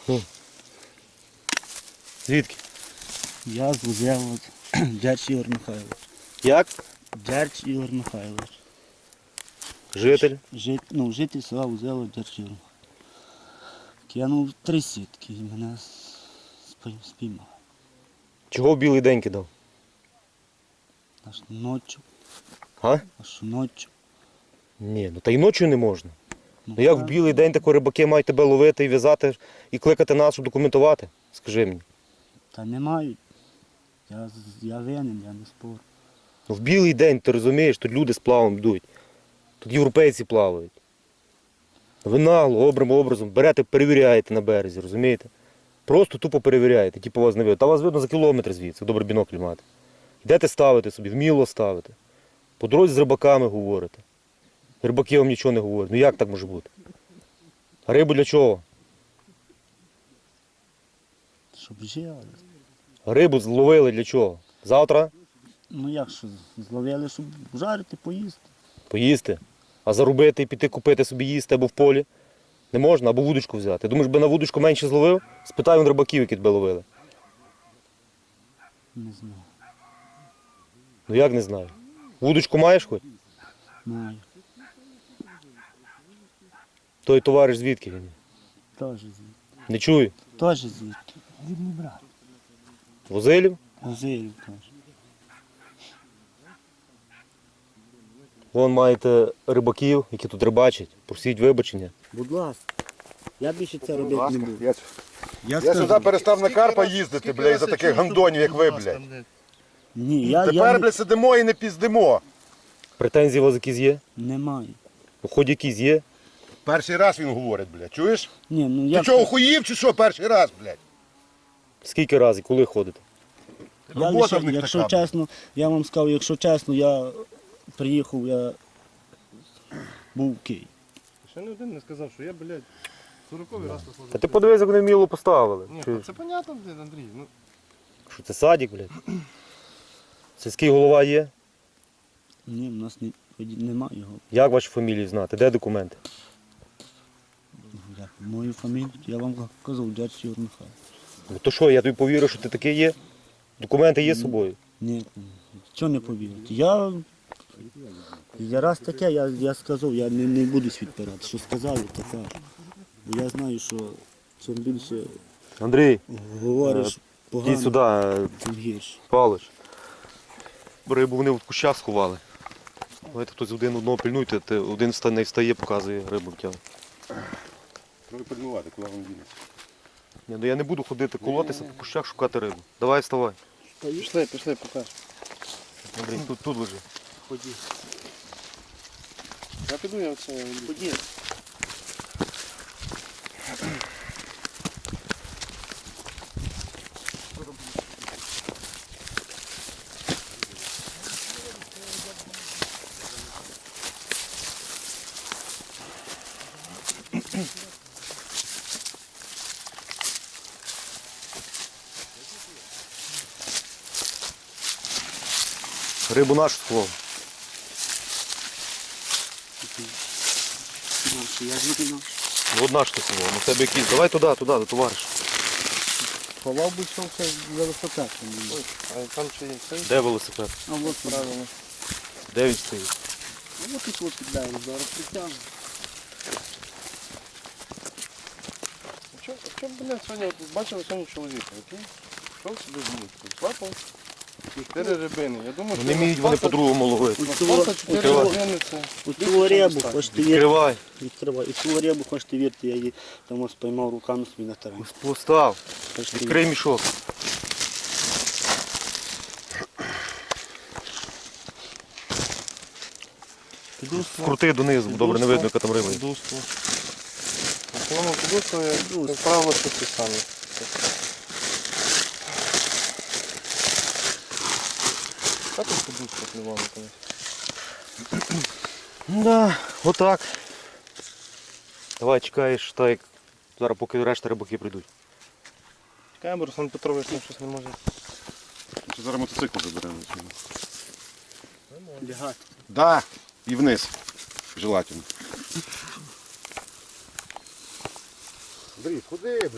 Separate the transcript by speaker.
Speaker 1: Ну. Звідки?
Speaker 2: Я з Узелу, Дерч Ігор Михайлович.
Speaker 1: Як?
Speaker 2: Дерч Ігор Михайлович.
Speaker 1: Житель?
Speaker 2: Житель села Узело, Дерч Ігор Михайлович. Кинув 3 сітки і мене спіймав.
Speaker 1: Чого в білий день кидав?
Speaker 2: Аж ночі.
Speaker 1: А?
Speaker 2: Аж ночі.
Speaker 1: Ні, ну та й ночі не можна. Ну як в білий день тако рибаки мають тебе ловити і в'язати, і кликати нас, щоб документувати? Скажи мені.
Speaker 2: Та не мають. Я винен, я не спорю.
Speaker 1: Ну в білий день, ти розумієш, тут люди з плавом йдуть. Тут європейці плавають. Ви нагло, образом берете, перевіряєте на березі, розумієте? Просто тупо перевіряєте, типу вас не видно. Та вас видно за кілометр звідси, добре бінокль мати. Йдете ставити собі, вміло ставити. По дорозі з рибаками говорите. Рибаки вам нічого не говорять. Ну як так може бути? А рибу для чого?
Speaker 2: Щоб жили.
Speaker 1: А рибу зловили для чого? Завтра
Speaker 2: Ну як що, зловили, щоб жарити, поїсти.
Speaker 1: поїсти. А заробити і піти купити собі їсти або в полі не можна, або вудочку взяти. Думаєш, би на вудочку менше зловив? Спитай вон рибаків, які тебе ловили.
Speaker 2: Не знаю.
Speaker 1: Ну як не знаю. Вудочку маєш хоч?
Speaker 2: Маю.
Speaker 1: Той товариш звідки він?
Speaker 2: Теж звідти.
Speaker 1: Не чую.
Speaker 2: Теж звідти. Рідний брат.
Speaker 1: Возилів?
Speaker 2: Озилів теж.
Speaker 1: Вон маєте рибаків, які тут рибачать. Просіть вибачення.
Speaker 2: Будь ласка. Я більше це робити не буду.
Speaker 3: Я сюди перестав на карпа їздити, бля, із-за таких гандонів, як ви, блядь.
Speaker 2: Ні, я
Speaker 3: Тепер, бля, сидимо і не піздимо.
Speaker 1: Претензії у вас якісь є?
Speaker 2: не маю.
Speaker 1: Ну, хоч якісь є?
Speaker 3: Перший раз він говорить, блядь, чуєш?
Speaker 2: Ні, ну
Speaker 3: Ти
Speaker 2: я...
Speaker 3: чого, охуїв чи що перший раз, блядь?
Speaker 1: Скільки разів, коли ходите?
Speaker 2: Я
Speaker 3: Робота
Speaker 2: лише,
Speaker 3: в них
Speaker 2: якщо
Speaker 3: така.
Speaker 2: чесно, я вам сказав, якщо чесно, я приїхав, я був в Києві.
Speaker 4: Ще не один не сказав, що я, блядь, 40-й раз
Speaker 1: Та
Speaker 4: послужив.
Speaker 1: ти подивись, як вони вміло поставили.
Speaker 4: Ні,
Speaker 1: Чуєш?
Speaker 4: це понятно, блядь, Андрій. Ну,
Speaker 1: Що це садик, блядь? Сільський голова є?
Speaker 2: Ні, в нас немає його.
Speaker 1: Як ваші фамілії знати? Де документи?
Speaker 2: Мою фамілію, я вам казав, Дерч Ігор Михайлович.
Speaker 1: Ну то що, я тобі повірю, що ти такий є? Документи є з собою?
Speaker 2: Ні, чого не повірити. Я раз таке, я сказав, я не буду відпирати. Що сказали, то кажу. Бо я знаю, що чим більше
Speaker 1: Андрій,
Speaker 2: говориш погано,
Speaker 1: йди сюди,
Speaker 2: тим гірше.
Speaker 1: Павлович. Рибу вони в кущах сховали. Давайте хтось одного пильнуйте, один не встає, показує рибу втягне.
Speaker 3: Треба пильнувати, куди він дінеться.
Speaker 1: Ні, ну я не буду ходити колотися по кущах шукати рибу. Давай вставай.
Speaker 4: пішли, покаж.
Speaker 1: Андрій, тут лежи.
Speaker 2: Ході.
Speaker 4: Я піду, я оце...
Speaker 2: Ході.
Speaker 1: Рибу нашу сховав.
Speaker 2: Я звідти
Speaker 1: Ну одна ж ти сховав, ну в тебе якісь. Давай туди, до товариша.
Speaker 2: ховав би що все велосипед.
Speaker 4: А там чи є цей?
Speaker 1: Де велосипед?
Speaker 2: А от
Speaker 4: Правильно.
Speaker 1: Де він стоїть?
Speaker 2: Ну от тут піддаємо, зараз притягнемо.
Speaker 4: А чому, блядь, сьогодні, от бачили сьогодні чоловіка, який йшов собі в місто, злапав 4 рибини. Я думаю,
Speaker 1: Ну не вміють вони по-другому ловити.
Speaker 4: Спаса 4
Speaker 1: Відкривай.
Speaker 4: рибини це...
Speaker 2: Оцю рибу, хочете вірити,
Speaker 1: Відкривай.
Speaker 2: відкривай. Оцю рибу, хочете вірити, я її там ось поймав руками собі на терені.
Speaker 1: Постав.
Speaker 2: Хочете
Speaker 1: Відкрий мішок. Крути донизу, бо добре не видно, яка там риба. є.
Speaker 4: Подушку. В основному подушку, як правило, що ті самі. Та тут подушка плювала, конечно.
Speaker 1: Да, отак. Давай чекаєш, так як зараз поки решта рибаки прийдуть.
Speaker 4: Чекаємо, Руслан Петрович там щось не може.
Speaker 3: Чи зараз мотоцикл заберемо?
Speaker 2: лягати?
Speaker 3: Да, і вниз. Желательно. Андрій, ходи,